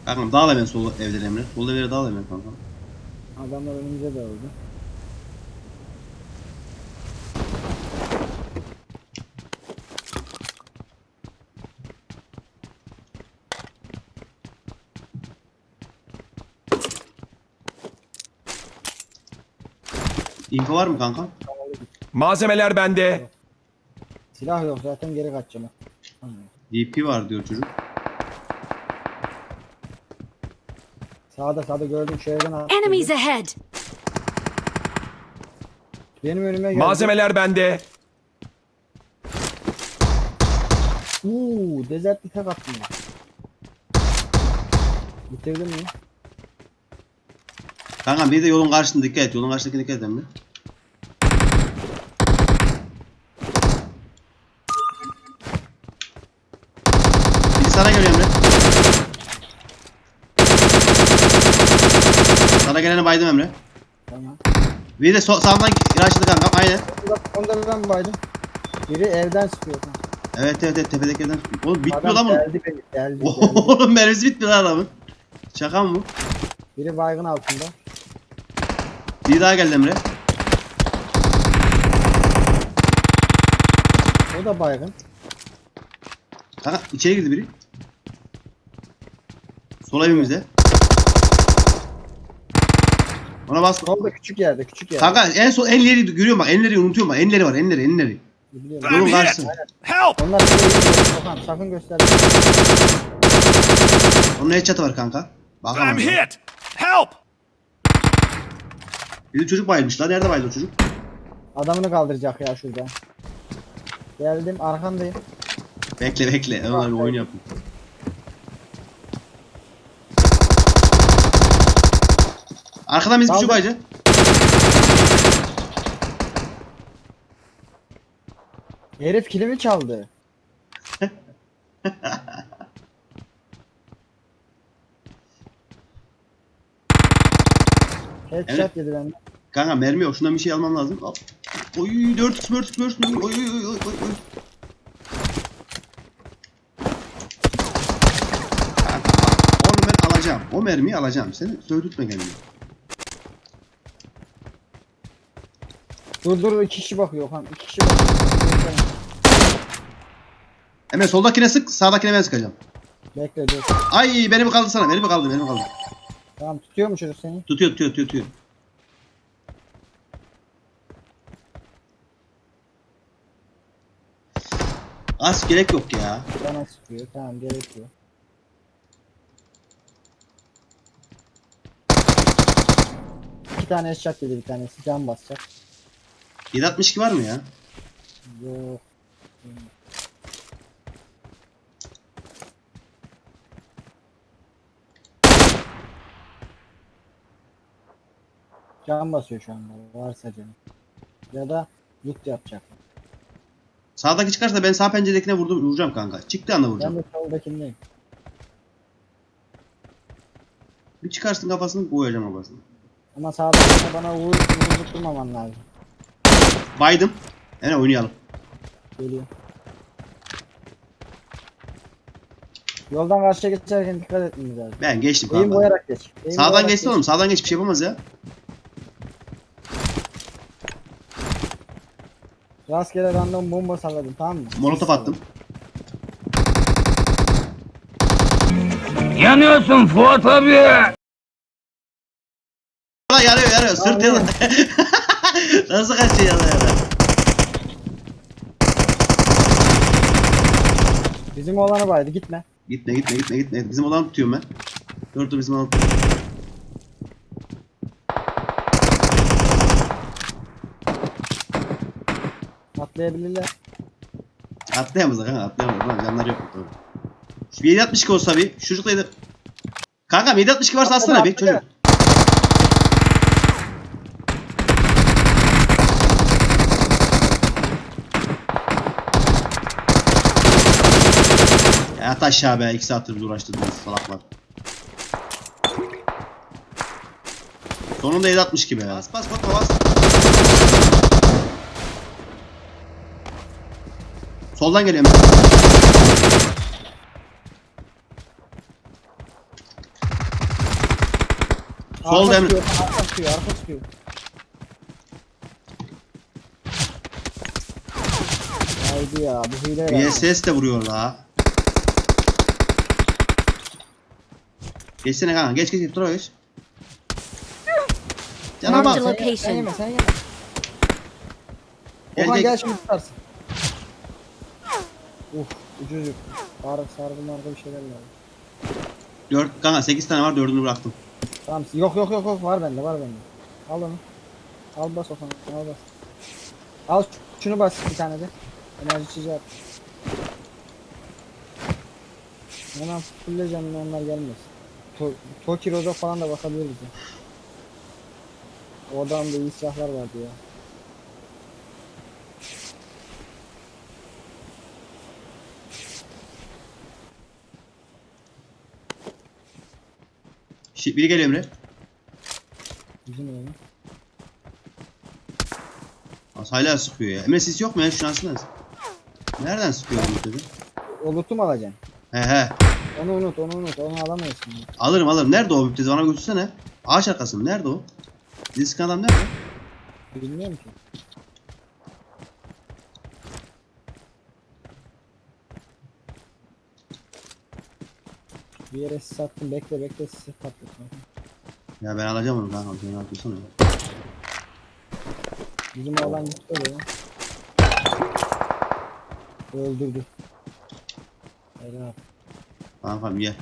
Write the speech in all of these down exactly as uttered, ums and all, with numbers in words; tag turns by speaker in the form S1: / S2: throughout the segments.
S1: Kankam dağıl hemen sol evleri Emre. Sol evleri dağıl hemen kankam.
S2: Adamlar önümüze de oldu.
S1: İnfo var mı kankam?
S3: Malzemeler bende.
S2: Silah yok zaten, geri kaçacağım.
S1: D P var diyor çocuk.
S2: Sağda sağda gördüm, şu evden attı.
S4: Enemies ahead!
S2: Benim önüme geldi.
S3: Malzemeler bende.
S2: Uuu, desertli tek attım ya. Bitirdin mi?
S1: Kankam bir de yolun karşısında dikkat et. Yolun karşısındaki dikkat et Emre. Biri sana geliyor Emre. Sana geleni baydım Emre.
S2: Tamam.
S1: Bir de so sağdan ilaçladı kankam. Aynen.
S2: Onda ben baydım. Biri evden sıkıyor.
S1: Evet evet evet tepedeki evden. Oğlum bitmiyor
S2: Adam
S1: lan bu.
S2: geldi beni, geldi, geldi.
S1: Oğlum mermisi bitmiyor lan adamın. Şaka mı bu?
S2: Biri baygın altında.
S1: Bir daha geldi Emre.
S2: O da baygın.
S1: Kanka içeri girdi biri. Sol evimizde. Ona bas.
S2: Solda küçük yerde, küçük yerde.
S1: Kanka en son enleri görüyorum bak. Enleri unutuyorum bak. Enleri var. Enleri enleri.
S2: Biliyorum.
S1: Yolun
S3: I'm
S1: karşısı.
S3: hit. Help!
S2: Onlar size iyi. Okan sakın gösterme.
S1: Onun headshot'ı var kanka. Bakamam.
S3: I'm hit. Help!
S1: Bir de çocuk bayılmış lan. Nerede bayıldı o çocuk?
S2: Adamını kaldıracak ya şurada. Geldim, arkandayım.
S1: Bekle bekle. Hemen oyun yapın. Arkadan biz bir
S2: Daldı.
S1: çocuk bayıcı.
S2: Herif kilimi çaldı. Headshot
S1: Evet.
S2: yedi benden.
S1: Kanka mermi yok. Şundan bir şey almam lazım. Al. Oy dört x dört x dört x. Oy oy oy oy oy. Kanka onu ben alacağım. O mermiyi alacağım. Seni söğütme kendini.
S2: Dur dur, iki kişi bakıyor Okan. İki kişi bakıyor.
S1: Hemen soldakine sık. Sağdakine ben sıkacağım.
S2: Bekle dur.
S1: Ay beni mi kaldı sana? Beni mi kaldı? Beni mi kaldı?
S2: Tamam, tutuyor mu çocuk seni?
S1: Tutuyor tutuyor tutuyor tutuyor. Az gerek yok ya.
S2: Bana sıkıyor. Tamam, gerek yok. İki tane headshot yedi bir tanesi. Can basacak.
S1: yedi altmış iki var mı ya?
S2: Yok. Can basıyor şu anda. Varsa canım. Ya da loot yapacak.
S1: Sağdaki çıkarsa ben sağ penceredekine vurdum, vuracağım kanka. Çıktı anda
S2: Ben
S1: vuracağım.
S2: de soldakindeyim.
S1: Bir çıkarsın kafasını koyacağım kafasını.
S2: Ama sağdakine bana vur, vurup durmaman lazım.
S1: Baydım. Hemen oynayalım.
S2: Geliyor. Yoldan karşıya geçerken dikkat etmemiz lazım.
S1: Ben geçtim
S2: Eğim
S1: kanka.
S2: boyarak geç. Eğim
S1: Sağdan
S2: boyarak
S1: geçti
S2: geç.
S1: oğlum. Sağdan geç bir şey yapamaz ya.
S2: Rastgele random bomba salladım, tamam mı?
S1: Molotof attım.
S5: Yanıyorsun Fuat abi.
S1: Ulan yarıyor yarıyor. Sırt yanıyor. Nasıl kaçıyor yana yana?
S2: Bizim oğlanı baydı, gitme.
S1: Gitme gitme gitme gitme. Bizim olanı tutuyorum ben. Dur dur bizim olanı tutuyorum.
S2: Atlayabilirler.
S1: Atlayamaz kanka atlayamaz. Lan canlar yok. Doğru. Şu yedi altmış iki olsa bir. Şu çocukla yedi. Kankam yedi altmış iki varsa atsana bir çocuk. Ya at aşağı be. iki saattir biz uğraştırdınız salaklar. Sonunda yedi altmış iki be. Bas bas bas bas. Soldan geliyorum. Solda
S2: Arka
S1: Emre.
S2: çıkıyor, arka çıkıyor, arka çıkıyor. Haydi ya, bu hile
S1: V
S2: herhalde.
S1: S S de vuruyor la. Geçsene kanka. Geç geç geç. Dur geç. Cana
S2: Sen
S1: bak.
S2: yeme, Sen yeme, sen yeme.
S1: Gel,
S2: Okan
S1: gel.
S2: gel şimdi tutarsın. Uf, ucuz yok. Sarı, sargı margı bir şeyler lazım.
S1: Dört kanka sekiz tane var, dördünü bıraktım.
S2: Tamam, yok yok yok yok var bende, var bende. Al onu. Al bas Okan, al bas. Al ş- şunu bas bir tane de. Enerji içeceği at. Hemen fulleyeceğim onlar gelmez. To Toki Rozo falan da bakabilir bize. O adamda iyi silahlar vardı ya.
S1: Şi, biri geliyor Emre.
S2: Bizim öyle.
S1: Az hala sıkıyor ya. Emre sis yok mu ya? Şu aslında. Nereden sıkıyor bu dedi?
S2: O loot'u mu alacaksın?
S1: He he.
S2: Onu unut, onu unut. Onu alamayız şimdi.
S1: Alırım alırım. Nerede o müptezi? Bana götürsene. Ağaç arkası mı? Nerede o? Bizi sıkan adam nerede?
S2: Bilmiyorum ki. Bir yere sis attım. Bekle bekle sis patlatma.
S1: Ya ben alacağım onu kanka. Sen ne yapıyorsun ya?
S2: Bizim oğlan gitti oraya. Öldürdü. Helal.
S1: Kankam gel.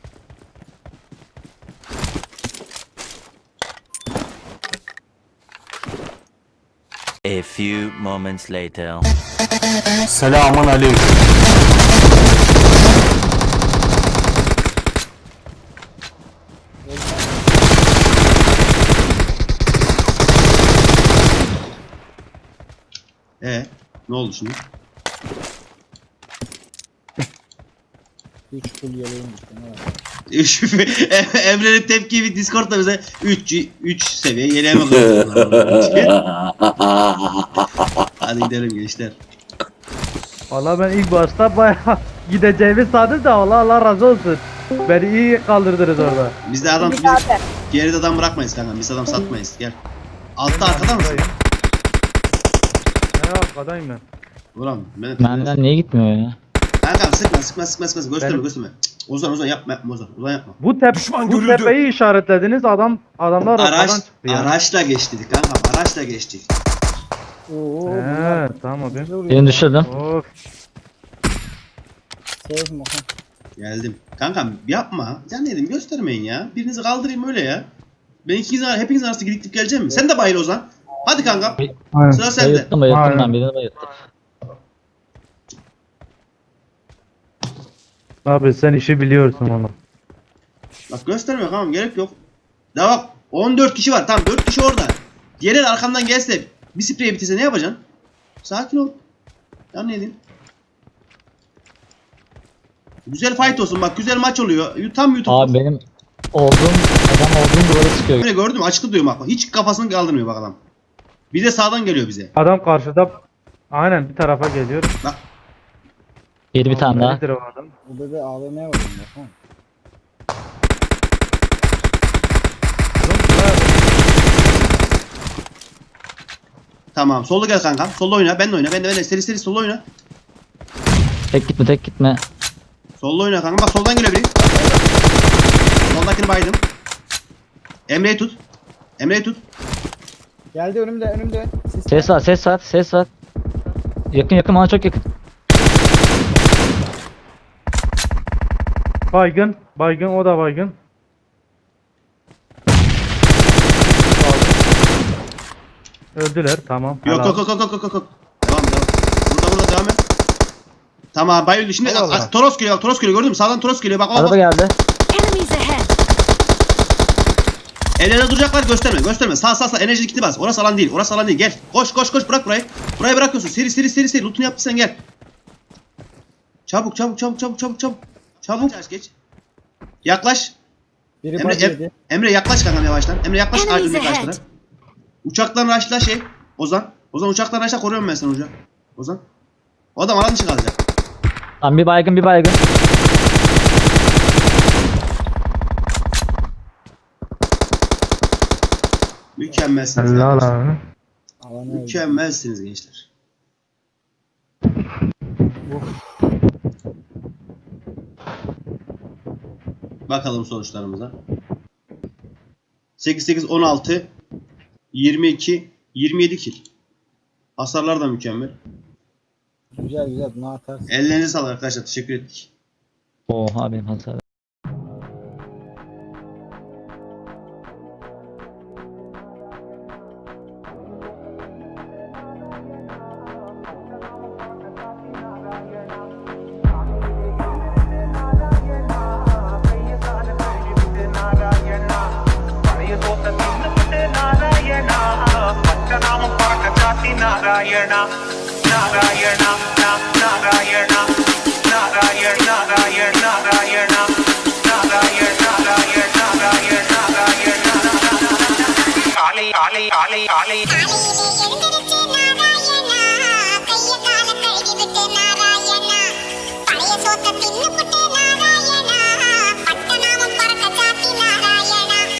S4: A few moments later.
S5: Selamun aleyküm.
S1: Ee, ne oldu şimdi?
S2: üç full yeleğim gitti. Ne var?
S1: Üç- Emre'nin tepki bir Discord'da bize üç üç seviye yeleğe bakıyorlar. Hadi gidelim gençler.
S6: Valla ben ilk başta bayağı gideceğimi sandım da Allah Allah razı olsun. Beni iyi kaldırdınız orada.
S1: Biz de adam biz geride adam bırakmayız kanka. Biz adam satmayız. Gel. Altta arkada mısın?
S6: Ne arkadayım ben.
S1: Ulan ben
S7: Benden niye gitmiyor ya?
S1: Kankam sıkma sıkma sıkma sıkma gösterme
S6: Benim-
S1: gösterme. Cık, Ozan Ozan yapma yapma Ozan Ozan yapma.
S6: Bu tep
S3: Düşman
S6: bu
S3: görüldü.
S6: tepeyi işaretlediniz adam adamlar
S1: Araç
S6: oradan çıktı ya.
S1: araçla geçtik kankam araçla geçtik.
S2: Oo, bunlar
S6: He tamam abi.
S2: bizi vuruyor.
S7: Birini düşürdüm.
S6: Of.
S2: Safe mi Okan?
S1: Geldim. Kankam yapma. Can dedim göstermeyin ya. Birinizi kaldırayım öyle ya. Ben ikiniz hepiniz arasında gidip gidip geleceğim mi? Sen de bayıl Ozan. Hadi kankam. Sıra sende.
S7: Bayılttım bayılttım
S6: Aynen.
S7: ben birini bayılttım.
S6: Abi sen işi biliyorsun oğlum.
S1: Bak göstermiyor tamam gerek yok. Daha bak on dört kişi var tamam dört kişi orada. Diğerleri arkamdan gelse bir sprey bitirse ne yapacaksın? Sakin ol. Ya ne diyeyim? Güzel fight olsun bak güzel maç oluyor. Tam YouTube.
S7: Abi benim olduğum adam olduğum duvara çıkıyor.
S1: Böyle gördün mü açıklı diyorum bak. Hiç kafasını kaldırmıyor bak adam. Bir de sağdan geliyor bize.
S6: Adam karşıda aynen bir tarafa geliyor.
S1: Bak
S7: Yedi bir tane daha.
S6: Nedir o adam?
S2: O bebe A V M'ye vurdum Okan.
S1: tamam solda gel kankam. Solda oyna. Ben de oyna. Ben de ben de seri seri solda oyna.
S7: Tek gitme tek gitme.
S1: Solda oyna kanka. Bak soldan geliyor biri. Soldakini baydım. Emre'yi tut. Emre'yi tut.
S2: Geldi önümde önümde. Sis
S7: Ses var ses var ses var. Yakın yakın bana çok yakın.
S6: Baygın. Baygın o da baygın. Öldüler tamam.
S1: Yok
S6: helal.
S1: yok yok yok yok yok yok. Devam devam. Burada burada devam et. Tamam bayıldı. Şimdi
S6: Allah Allah.
S1: a- Toros geliyor. Bak, Toros geliyor gördün mü? Sağdan Toros geliyor. Bak bak
S7: Araba
S1: bak.
S7: geldi.
S8: Enemies ahead!
S1: Evlerde duracaklar gösterme gösterme. Sağ sağ sağ enerji gitti bas. Orası alan değil. Orası alan değil. Gel. Koş koş koş bırak burayı. Burayı bırakıyorsun. Seri seri seri seri. Loot'unu yaptıysan gel. Çabuk çabuk çabuk çabuk çabuk çabuk. Çabuk. Geç geç. Yaklaş.
S2: Biri
S1: Emre,
S2: body
S1: Em-
S2: yedi.
S1: Emre yaklaş kankam yavaştan. Emre yaklaş
S8: Enemies
S1: önündeki
S8: ahead.
S1: ağaçlara. Uçaktan raşla şey. Ozan. Ozan uçaktan raşla koruyorum ben seni Ozan. Ozan. O adam alan dışı kalacak.
S7: Tamam bir baygın bir baygın.
S1: Mükemmelsiniz.
S6: Helal
S1: kardeşler.
S6: abi.
S2: Alan öldü.
S1: Mükemmelsiniz gençler. Bakalım sonuçlarımıza. sekiz sekiz on altı yirmi iki yirmi yedi kill. Hasarlar da mükemmel.
S2: Güzel güzel bunu atarsın.
S1: Ellerinize sağlık arkadaşlar. Teşekkür ettik.
S7: Oha benim hasar.
S8: Narayana, Narayana, Narayana, Narayana, Narayana, Narayana, Narayana, Narayana, Narayana, Narayana, Ali, Ali, Ali, Ali.
S9: காலையிலே எழுந்திருச்சு நாராயணா கைய கால கழுவி விட்டு நாராயணா